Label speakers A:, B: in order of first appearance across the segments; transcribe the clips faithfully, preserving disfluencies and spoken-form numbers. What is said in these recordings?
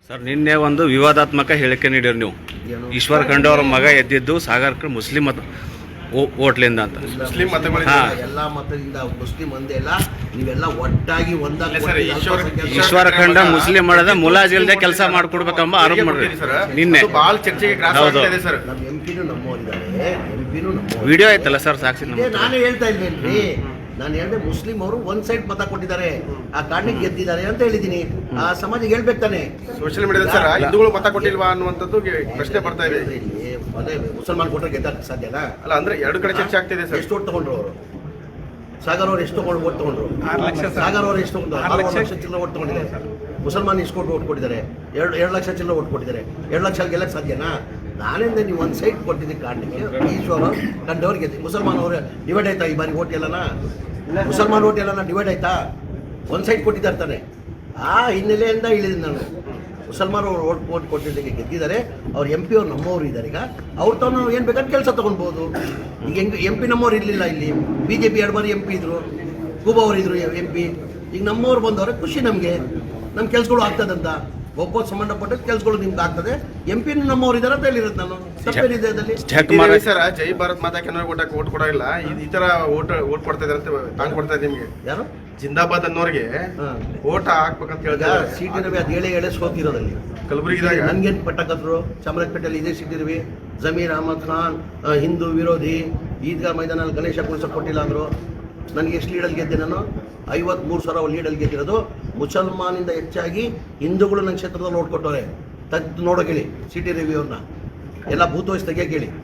A: Sir ನಿನ್ನೆ ಒಂದು ವಿವಾದಾತ್ಮಕ ಹೇಳಿಕೆ ನೀಡಿರು ನೀವು. ಈಶ್ವರ ಖಂಡ್ರೆ ಅವರ ಮಗ ಎದ್ದಿದ್ದು ಸಾಗರ್ಕರ್ ಮುಸ್ಲಿಂ ಮತ ಓಟ್ಲಿಂದ ಅಂತ.
B: ಮುಸ್ಲಿಂ ಮತಗಳಿಂದ ಎಲ್ಲ ಮತದಿಂದ ಮುಸ್ಲಿಂ ಒಂದೇ ಅಲ್ಲ, ನೀವೆಲ್ಲ ಒಟ್ಟಾಗಿ ಒಂದಾಗಿ
A: ಈಶ್ವರ ಖಂಡ್ರೆ ಮುಸ್ಲಿಂ ಮಾಡದ ಮುಲಾಜಿಲ್ದೆ ಕೆಲಸ ಮಾಡ್ಕೊಡ್ಬೇಕೆಂಬ ಆರೋಪ ಮಾಡ್ರಿ ನಿನ್ನೆ.
B: ಬಹಳ ಚರ್ಚೆಗೆ ಗ್ರಾಸ ಆಗ್ತಿದೆ ಸರ್.
C: ನಮ್ಮ ಎಂಪಿನೂ ನಮ್ಮವರಿದ್ದಾರೆ, ಎಂಪಿನೂ ನಮ್ಮ
A: ವಿಡಿಯೋ ಐತಲ್ಲ ಸರ್ ಸಾಕ್ಷಿ.
C: ನಾನೇ ಹೇಳ್ತಾ ಇಲ್ವೇನ್ರಿ, ನಾನು ಹೇಳಿದೆ ಮುಸ್ಲಿಂ ಅವರು ಒಂದ್ ಸೈಡ್ ಮತ ಕೊಟ್ಟಿದ್ದಾರೆ, ಆ ಕಾರಣಕ್ಕೆ ಗೆದ್ದಿದ್ದಾರೆ ಅಂತ ಹೇಳಿದೀನಿ. ಆ ಸಮಾಜಕ್ಕೆ ಹೇಳ್ಬೇಕು ತಾನೆ.
B: ಸೋಷಿಯಲ್ ಮೀಡಿಯಾದ ಸರ್ ಹಿಂದೂಗಳು ಮತ ಕೊಟ್ಟಿಲ್ವಾ ಅನ್ನುವಂಥದ್ದು ಪ್ರಶ್ನೆ ಬರ್ತಾ ಇದೆ.
C: ಅದೇ ಮುಸಲ್ಮಾನ್ ಕೊಟ್ಟರೆ ಗೆದ್ದಕ್ಕೆ ಸಾಧ್ಯನಾ?
B: ಅಲ್ಲ ಅಂದ್ರೆ ಎರಡು ಕಡೆ ಚರ್ಚೆ ಆಗ್ತಿದೆ ಸರ್.
C: ಎಷ್ಟು ಓಟ್ ತಗೊಂಡ್ರು ಅವರು? ಸಾಗರ್ ಅವ್ರು ಎಷ್ಟು ತಗೊಂಡು ಓಟ್ ತಗೊಂಡ್ರು? ಸಾಗರ್ ಅವರು ಎಷ್ಟು ತಗೊಂಡ್ರು? ಆರು ಲಕ್ಷ ಚಿಲ್ಲರೆ ಓಟ್ ತಗೊಂಡಿದ್ದಾರೆ. ಮುಸಲ್ಮಾನ್ ಇಸ್ಕೊಟ್ಟು ಓಟ್ ಕೊಟ್ಟಿದ್ದಾರೆ, ಎರಡು ಎರಡು ಲಕ್ಷ ಚಿಲ್ಲರೆ ಓಟ್ ಕೊಟ್ಟಿದ್ದಾರೆ. ಎರಡು ಲಕ್ಷ ಗೆಲ್ಲಕ್ಕೆ ಸಾಧ್ಯನಾ? ನಾನಿಂದ ನೀವು ಒಂದು ಸೈಡ್ ಕೊಟ್ಟಿದ್ದ ಕಾರಣಕ್ಕೆ ಈಶ್ವರ ಕಂಡವ್ರಿಗೆ ಮುಸಲ್ಮಾನ್ ಅವರು ಡಿವೈಡ್ ಆಯ್ತಾ ಈ ಬಾರಿ ಓಟ್ ಎಲ್ಲನ? ಮುಸಲ್ಮಾನ್ ಓಟ್ ಎಲ್ಲನ ಡಿವೈಡ್ ಆಯ್ತಾ? ಒಂದು ಸೈಡ್ ಕೊಟ್ಟಿದ್ದಾರೆ ತಾನೆ. ಆ ಹಿನ್ನೆಲೆಯಿಂದ ಇಳಿದ ನಾನು ಮುಸಲ್ಮಾನ್ ಅವರು ಓಟ್ ಓಟ್ ಕೊಟ್ಟಿದ್ದಕ್ಕೆ ಗೆದ್ದಿದ್ದಾರೆ. ಅವ್ರು ಎಂ ಪಿ ಅವ್ರು ನಮ್ಮವರು ಇದ್ದಾರೆ. ಈಗ ಅವ್ರು ತಾನು ನಾವು ಏನು ಬೇಕಾದ್ರೆ ಕೆಲಸ ತೊಗೊಳ್ಬೋದು. ಈಗ ಹೆಂಗೆ ಎಂ ಪಿ ನಮ್ಮವ್ರು ಇರಲಿಲ್ಲ ಇಲ್ಲಿ, ಬಿ ಜೆ ಪಿ ಎರಡು ಬಾರಿ ಎಂ ಪಿ ಇದ್ರು, ಕೂಬ ಅವರು ಇದ್ರು ಎಂ ಪಿ. ಈಗ ನಮ್ಮವ್ರು ಬಂದವ್ರೆ ಖುಷಿ ನಮಗೆ, ನಮ್ಮ ಕೆಲಸಗಳು ಆಗ್ತದಂತ. ಒಬ್ಬ ಸಂಬಂಧಪಟ್ಟ ಕೆಲಸಗಳು ನಿಮ್ಗೆ ಆಗ್ತದೆ. ಎಂ ಪಿ ನಮ್ಮವ್ರು ಇದ್ದಾರೆ ಅಂತ ಹೇಳಿರೋದು ನಾನು. ತಪ್ಪೇನಿದೆ ಅದರಲ್ಲಿ?
B: ಸರ್ ಜೈ ಭಾರತ್ ಮಾತಾ ಕನ್ನಡ ಓಟಕ್ಕೆ ಓಟ್ ಕೊಡೋಲ್ಲ, ಈ ತರ ಓಟ್ ಓಟ್ ಕೊಡ್ತಾ ಇದಾರೆ ಅಂತ ತಾಂಗ್ ಕೊಡ್ತಾ ಇದೆ ನಿಮ್ಗೆ. ಯಾರು ಜಿಂದಾಬಾದ್ ಅನ್ನೋರಿಗೆ ಓಟ್ ಹಾಕ್ಬೇಕಂತ ಹೇಳಿದ್ರೆ
C: ಸಿ ಟಿ ರವಿ ಅದು ಏಳೆ ಏಳೆ ಸೋತಿರೋದಲ್ಲಿ
B: ಕಲಬುರಗಿದಾಗ
C: ನನ್ಗೇನು ಪಟ್ಟಕತ್ರು. ಚಾಮರಾಜಪೇಟೆಯಲ್ಲಿ ಇದೇ ಸಿ ಟಿ ರವಿ, ಜಮೀರ್ ಅಹಮದ್ ಖಾನ್ ಹಿಂದೂ ವಿರೋಧಿ, ಈದ್ಗಾ ಮೈದಾನಲ್ಲಿ ಗಣೇಶ ಕುಣಿಸೋಕೆ ಕೊಟ್ಟಿಲ್ಲ ಅಂದರು. ನನಗೆ ಎಷ್ಟು ಲೀಡಲ್ಲಿ ಗೆದ್ದೆ ನಾನು? ಐವತ್ಮೂರು ಸಾವಿರ ಲೀಡಲ್ಲಿ ಗೆದ್ದಿರೋದು. ಮುಸಲ್ಮಾನಿಂದ ಹೆಚ್ಚಾಗಿ ಹಿಂದೂಗಳು ನನ್ನ ಕ್ಷೇತ್ರದಲ್ಲಿ ನೋಡ್ಕೊಟ್ಟವ್ರೆ. ತದ್ದು ನೋಡೋ ಕೇಳಿ ಸಿ ಟಿ ರವಿ ಅವ್ರನ್ನ. ಎಲ್ಲ ಬೂತ್ ವಯಸ್ಸು ತೆಗಿಯಕ್ಕೆ ಹೇಳಿ,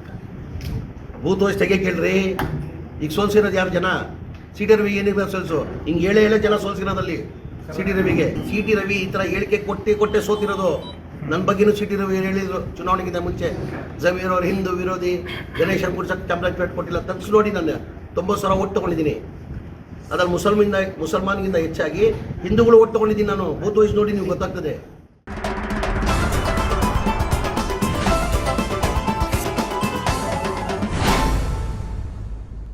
C: ಬೂತ್ ವಯಸ್ಸು ತೆಗಿಯಕ್ಕೆ ಹೇಳ್ರಿ. ಈಗ ಸೋಲ್ಸಿರೋದು ಯಾರು ಜನ? ಸಿ ಟಿ ರವಿ ಏನಿರ್ಬೇಕು ಸೋಲ್ಸು? ಹಿಂಗೆ ಏಳೆ ಏಳೆ ಜನ ಸೋಲ್ಸಿರೋದಲ್ಲಿ ಸಿ ಟಿ ರವಿಗೆ. ಸಿ ಟಿ ರವಿ ಈ ಥರ ಹೇಳಿಕೆ ಕೊಟ್ಟೆ ಕೊಟ್ಟೆ ಸೋತಿರೋದು. ನನ್ನ ಬಗ್ಗೆನೂ ಸಿ ಟಿ ರವಿ ಹೇಳಿದ್ರು ಚುನಾವಣೆಗಿಂತ ಮುಂಚೆ. ಜಮೀರ್ ಅವ್ರು ಹಿಂದೂ ವಿರೋಧಿ, ಗಣೇಶನ್ ಕುಡ್ಸಕ್ಕೆ ಚಾಮರಾಜಪೇಟೆ ಕೊಟ್ಟಿಲ್ಲ. ತಗ್ಸಿ ನೋಡಿ, ನಾನು ತೊಂಬತ್ತು ಸಾವಿರ ಓಟ್ ತೊಗೊಂಡಿದ್ದೀನಿ. ಅದ್ರಲ್ಲಿ ಮುಸಲ್ಮಿಂದ ಮುಸಲ್ಮಾನ್ಗಿಂತ ಹೆಚ್ಚಾಗಿ ಹಿಂದೂಗಳು ಓಟ್ ತೊಗೊಂಡಿದ್ದೀನಿ ನಾನು. ಬೂತ್ ವಯಸ್ಸು ನೋಡಿ ನಿಮ್ಗೆ ಗೊತ್ತಾಗ್ತದೆ.